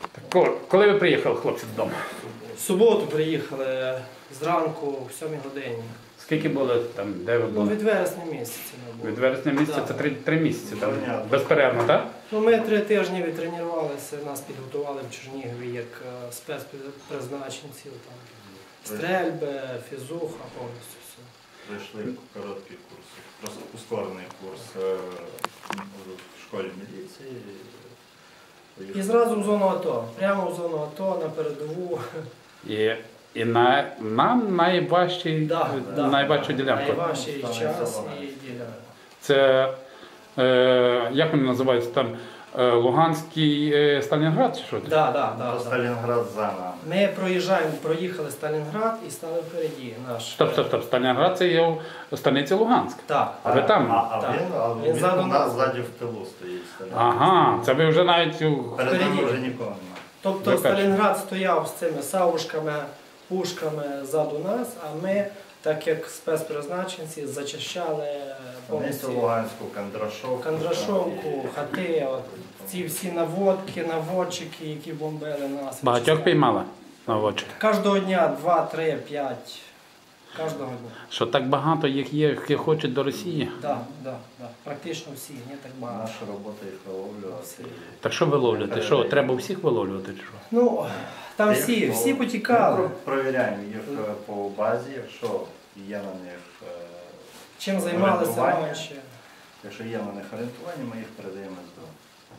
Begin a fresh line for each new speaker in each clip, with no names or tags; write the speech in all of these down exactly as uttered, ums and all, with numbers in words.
Коли, коли ви приїхали, хлопці, додому?
В суботу приїхали зранку, в сьомій годині.
Скільки було там, де ви
Ну,
були?
від вересня місяця ми були.
Від вересня місяця
Да.
це три, три місяці, там, безперервно, так?
Ну, ми три тижні відтренувалися, нас підготували в Чернігові як е, спецпризначенців. Там. Стрельби, фізуха, повністю все.
Пройшли короткий курс, просто ускорений курс е, в школі міліції.
І зразу в зону АТО, прямо в зону АТО, на передову.
І, і на, нам найважчий,
Да, да,
найважчу
да.
ділянку.
Найважчий час і ділянка.
Це, е, як вони називаються там, е, Луганський е, Сталінград чи що?
Да, да, да, да.
Сталінград за нами.
Ми проїжджаємо, проїхали Сталінград і стали впереді. Наш.
Стоп, стоп, стоп. Сталінград це є в станиці Луганськ.
Так.
А ви там?
А, а
Так.
він, а
Він
він,
ззаду
у
нас.
нас ззаді в тилу стоїть Сталінград.
Ага, це ви вже навіть у-
Перед нами
Впереді.
вже нікого немає.
Тобто
Ви перші.
Сталінград стояв з цими савушками, пушками ззаду нас, а ми, так як спецпризначенці, зачищали
Станицю
повністю
Луганську, Кондрашовку.
Кандрашовку, хати, от, ці всі наводки, наводчики, які бомбили нас.
багатьох
вичисляли.
піймали наводчик.
Кожного дня два, три, п'ять. Кожного дня.
Що так багато їх є, які хочуть до Росії.
Так, да, да. Практично всі, не так багато.
Наша робота їх виловлювати.
Так що ви ловлюєте? Що, треба всіх виловлювати? Чи що?
Ну, там всі,
Їх,
всі
ну,
потікали.
Ми провіряємо їх е, по базі, якщо є на них е,
Чим займалися
орієнтування.
раніше.
Якщо є на них орієнтування, ми їх передаємо з дому.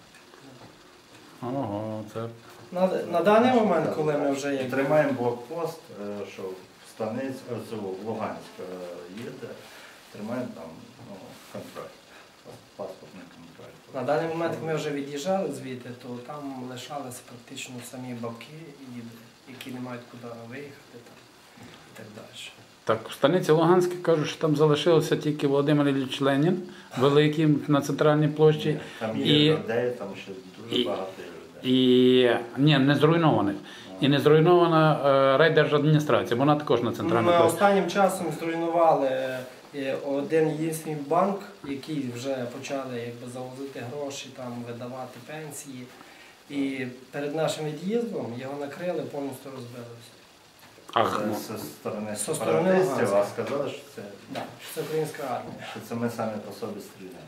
Ого, це...
На, на даний момент, коли ми вже як
Тримаємо блокпост, е, що в станиць, оцю, в Луганськ е, їде, тримаємо там ну, контроль, паспортний контроль.
на даний момент, як ми вже від'їжджали звідти, то там лишалися практично самі бабки, які не мають куди виїхати там, і так далі.
Так, в станиці Луганській кажуть, що там залишився тільки Володимир Ілліч Ленін, великий на центральній площі.
Там
І-
є людей, там ще дуже
і-
багато є людей.
І ні, не зруйнованих. І не зруйнована е, райдержадміністрація, вона також на центральній
Ми
площі.
останнім часом зруйнували е, один єдиний банк, який вже почали якби, завозити гроші, там, видавати пенсії. І перед нашим від'їздом його накрили, повністю розбилося.
Ах,
Це
ну,
зі сторони
Зі сторони
сепаратистів, а
Луганська.
сказали, що це,
Да, що це українська армія.
що це ми самі по собі стріляємо.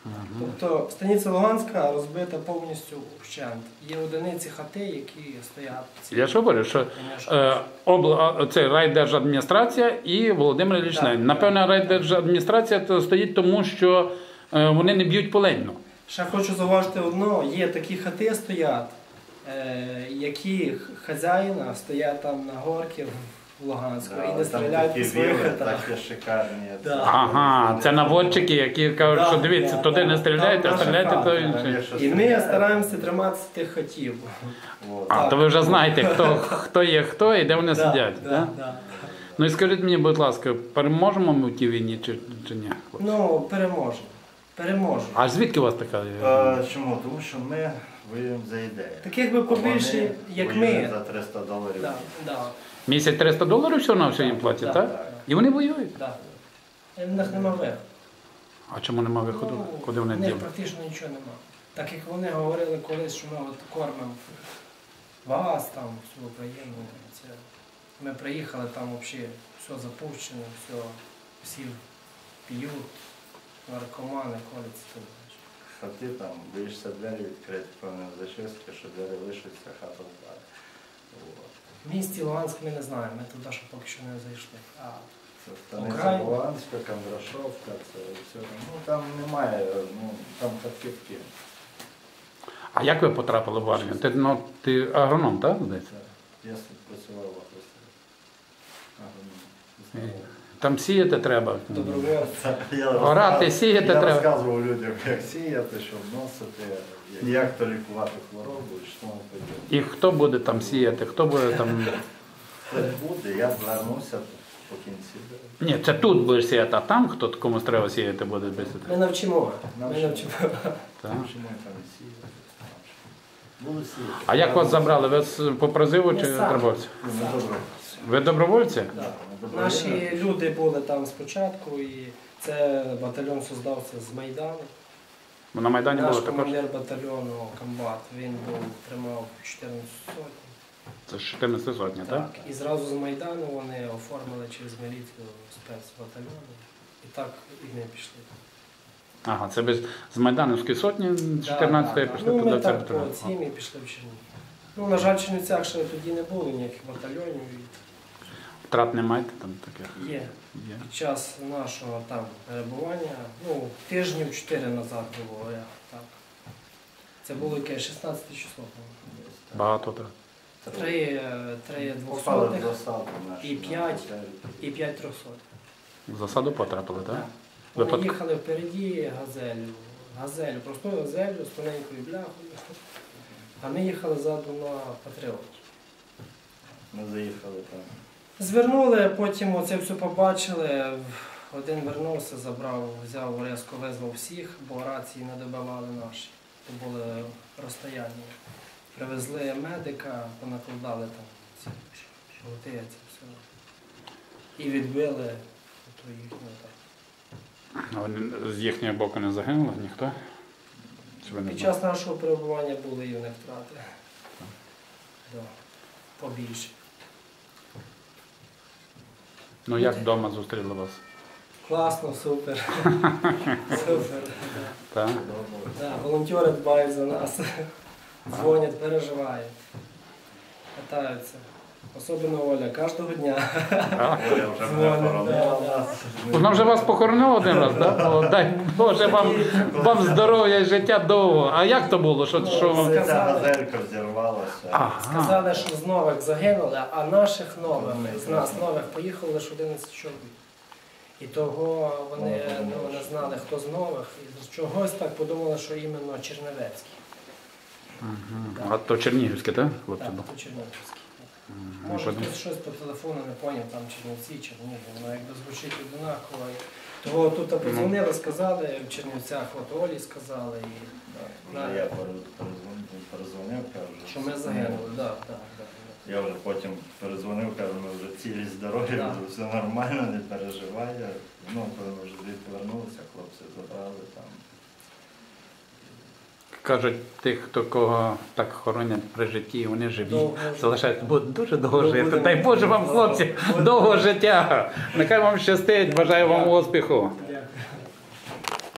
Тобто станиця Луганська розбита повністю вщент. Є одиниці хати, які стоять.
я ж говорю, що е, обла, це райдержадміністрація і Володимир Ілліч
Так,
Ленін.
так.
Напевно, райдержадміністрація то стоїть тому, що е, вони не б'ють полейну.
Ще хочу зауважити одно, є такі хати стоять, е, які хазяїна стоять там на горці в Луганську
Да,
і не
там
стріляють
такі
по своїх
віли,
хатах.
такі шикарні.
Да.
Ага, це наводчики, які кажуть,
Да,
що дивіться,
да,
туди
да.
не стріляйте,
Там
а
наша
стріляйте
хата,
то
Там
інше.
є що
І ми
стріляти.
стараємося триматися тих хатів.
От.
А, то ви вже знаєте, хто, хто є хто і де вони
Да,
сидять.
да,
Да?
да.
Ну і скажіть мені, будь ласка, переможемо ми в тій війні чи, чи ні?
Ну, переможемо. Переможемо.
А звідки у вас така?
Е, Чому? Тому що ми воюємо за ідею.
Таких би побільше,
Вони
як
воюють
ми.
за триста доларів.
Да, да,
Місяць триста доларів всього на все їм платять,
Да,
так?
да.
І вони воюють.
да. І в них нема виходу.
А чому нема виходу?
Ну,
Куди вони
в них
діли?
практично нічого нема. Так як вони говорили колись, що ми от кормимо вас, там, всю Україну. Це... Ми приїхали, там взагалі все запущено, все, всі п'ють, наркомани, коляться.
Хати там, боїшся двері відкрити, певне зачистки, що двері лишаться, хата впаде. От.
В місті Луганськ ми не знаємо, ми туди ще поки що не зайшли. А
Це станиця
Україна.
Луганська, Кондрашовка, це все. Ну там немає, ну там хатки в Києві.
А як ви потрапили в армію? Ти, ну, ти агроном, так? здається?
Я працював в агросервісі. Агроном.
Там сіяти треба.
добровольці.
Я
Орати,
розказ-
сіяти
я
треба.
розказував людям, як сіяти, що вносити, як то лікувати хворобу, і що воно подібне.
І хто буде там сіяти, хто буде там.
Це буде, я звернуся по кінці.
Ні, це тут будеш сіяти, а там хто комусь треба сіяти буде без
Ми навчимо. Ми
Навчимо.
навчимо.
Так.
Чому я там і сіяти? Буду сіяти.
А як вас забрали? Ви з- по призиву
Ми
чи
самі.
добровольці?
Ну, добре.
Ви добровольці?
Да.
Ми добре.
Наші люди були там спочатку, і це батальйон создався з Майдану.
Бо на Майдані
Наш
було також.
командир батальйону комбат, він був, тримав чотирнадцять сотень.
Це ж чотирнадцять сотні, так?
І зразу з Майдану вони оформили через міліцію спецбатальйони. І так і ми пішли.
Ага, це без з Майдановської сотні чотирнадцятої
Да, да,
пішли
да. Ну,
туди
ми
в
так
церкву.
по цім і пішли в Чернігів. Ну, на жаль, в Чернівцях ще тоді не було ніяких батальйонів.
Втрат не маєте там таких?
І є.
Є.
Під час нашого там перебування, ну, тижнів чотири назад було, я, так. Це було яке шістнадцяте число, по-моєму.
Багато втрат.
Три, е, три
Попали в
двохсотих
засаду наші.
і п'ять.
на
і п'ять трьохсотих.
В засаду потрапили, так?
Так. Вони
Випадк-
їхали впереді газелю, газелю, простою газелю з тоненькою бляхою. А ми їхали ззаду на патріоті.
Ми заїхали там.
Звернули, потім оце все побачили. Один вернувся, забрав, взяв резко, визвав всіх, бо рації не добивали наші. То були розстояння. Привезли медика, понакладали там ці жгути, це все. І відбили ту їхню так.
А вони з їхнього боку не загинули ніхто? Чи ви не
Під
знаєте?
час нашого перебування були і в них втрати. Да. Побільше.
Ну як вдома зустріли вас?
Класно, супер. Супер.
Так?
Да, волонтери дбають за нас. Дзвонять, переживають. Катаються. Особливо Оля, кожного дня.
Оля вже мене хоронила нас.
Вона вже вас похоронила один раз, так? Дай Боже вам, вам здоров'я і життя довго. А як то було? Що, що вам?
Ця газелька взірвалася.
Ага.
Сказали, що з нових загинули, а наших нових, з нас нових поїхало лише одинадцять чоловік. І того вони ну, не знали, хто з нових. І з чогось так подумали, що іменно Чернівецький.
Ага. А то Чернігівське, так? Хлопці?
Так,
були?
то Чернівецький.
Ну,
Може,
що-
хтось щось по телефону не поняв, там Чернівці, Чернігів, воно якби звучить однаково. Того тут подзвонили, сказали, в Чернівцях от Олі сказали, і,
Вже я перезвонив, перезвонив, кажу.
що ми загинули. Да, да, да, да.
Я вже потім перезвонив, кажу, ми вже цілі здорові,
Да.
вже все нормально, не переживай. Ну, коли ми вже звідти вернулися, хлопці забрали там.
Кажуть, тих, хто кого так хоронять при житті, вони живі,
Довго жити.
залишаються, будуть дуже довго
Ну,
жити.
будемо-
Дай Боже вам, хлопці,
Будемо-
довго життя. Нехай вам щастить, бажаю вам успіху.